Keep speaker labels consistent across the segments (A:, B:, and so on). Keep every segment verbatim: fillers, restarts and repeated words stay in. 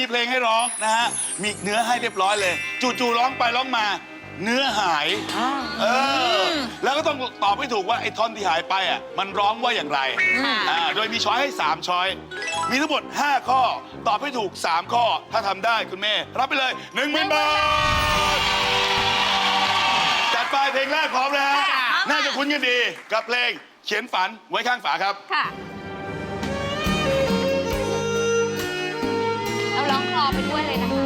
A: มีเพลงให้ร้องนะฮะมีเนื้อให้เรียบร้อยเลยจู่ๆร้องไปร้องมาเนื้อหายเออแล้วก็ต้องตอบให้ถูกว่าไอ้ท่อนที่หายไปอ่ะมันร้องว่าอย่างไรอ่าโดยมีช้อยให้สามช้อยมีทั้งหมดห้าข้อตอบให้ถูกสามข้อถ้าทำได้คุณเมย์รับไปเลยหนึ่งหมื่นบาทจัดไปเพลงแรกพร้อมนะฮะน่าจะคุ้นกันดีกับเพลงเขียนฝันไว้ข้างฝาครับ
B: ค่ะเราร้องคลอไปด้วยเลยนะคะ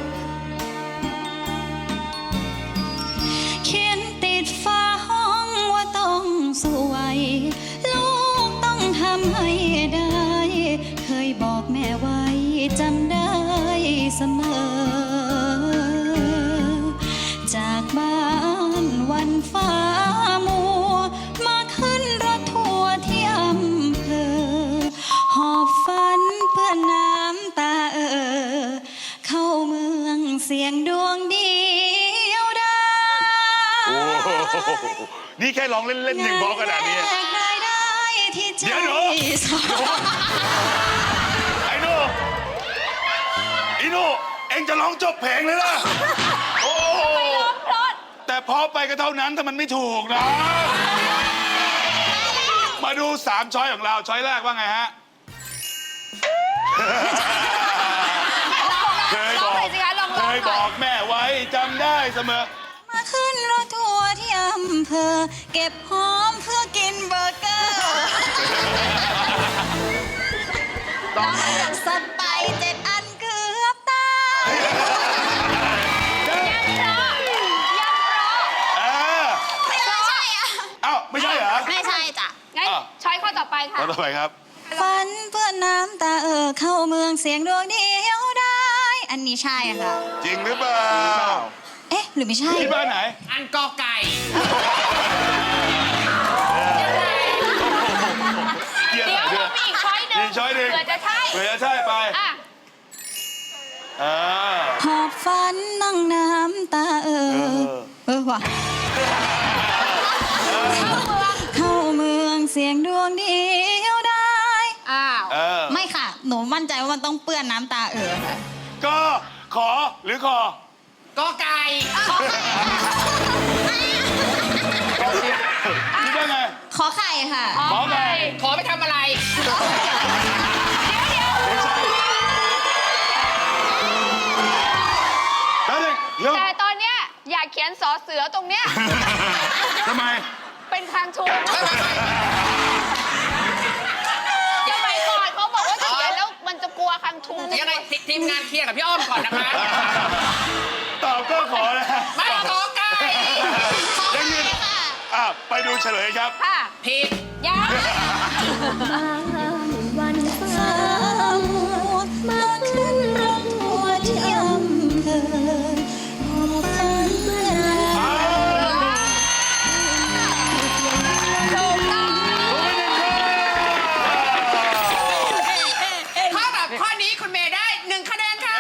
C: เขียนติดฝาห้องว่าต้องสวยลูกต้องทำให้ได้เคยบอกแม่ไว้จำได้เสมอจากบ้านวันฟ้ามัวมาขึ้นรถทัวร์ที่อำเภอหอบฝันเพื่อน้ำตาเออเข้าเมืองเสียงดวงเดียวดาย
A: โอ้นี่แค่ร้องเล่นๆยังเพราะขนาดนี้เดี๋ยวหนูไอ้หนูไอ้หนูเอ็งจะร้องจบเพลงเลยล่ะโอ้แต่พอไปก็เท่านั้นถ้ามันไม่ถูกนะมาดูสามช้อยของเราช้อยแรกว่าไงฮะเคยบอกเคยบอกแม่ไว้จำได้เสมอ
C: มาขึ้นรถทัวร์ที่อำเภอเก็บหอมเพื่อกินเบอร์เกอร์สัตว์ไปเจ็ดอันเกือบตาย
B: ยังเพราะยังเพราะ
A: เออ
C: ไม่ใช่อ่ะ
A: เอ้าไม่ใช่เหรอ
C: ไม่ใช่จ้ะ
B: งั้นช้อยข้อต่อไปค่ะ
A: ข้อต่อไปครับ
C: ฝันเพื่อน้ำตาเออเข้าเมืองเสียงดวงเดียวได้อันนี้ใช่ค่ะ
A: จริงหรือเปล่า
C: เอ๊ะหรือไม่ใช่
A: ที่บ้านไหน
D: อันกอไก่
B: เดี๋ยวมีอีกช้อยหนึ่ง
A: อีกช้อยหนึ่ง
B: เผื่อจะใช่
A: เผื่อจะใช่ไป
C: หอบฝันนั่งน้ำตาเออเออว่ะเข้าเมืองเสียงดวงเดียวได้
B: อ้าว
C: ไม่ค่ะหนูมั่นใจว่ามันต้องเปื้อนน้ำตาเออ
A: ก็ขอหรือคอ
D: ก็ไก่
A: คิดว่าไง
C: ขอไข่ค่ะ
A: ขอไข่
D: ขอไปทำอะไร
B: แต่ตอนเนี้ยอยากเขียนสอเสือตรงเนี้ย
A: ทำไม
B: เป็นคางชูสมัยก่อนเขาบอกว่าเขียนแล้วมันจะกลัวคางชู
D: ยังไงทีมงานเคลียร์กับพี่อ้อมก่อนนะคะ
A: ตอบก็ขอนะ
D: ไม่ขอไก่
A: ยังยืนอ่ะไปดูเฉลยครับ
B: ค่ะ
D: ผิด
B: ยัง
C: วันฟ้ามัวมาขึ้นรถทัวร์ที่อำเภอหอบฝันเมื่อไหร่
D: ข้อแบบข้อนี้คุณเมย์ได้หนึ่งคะแนนค่ะ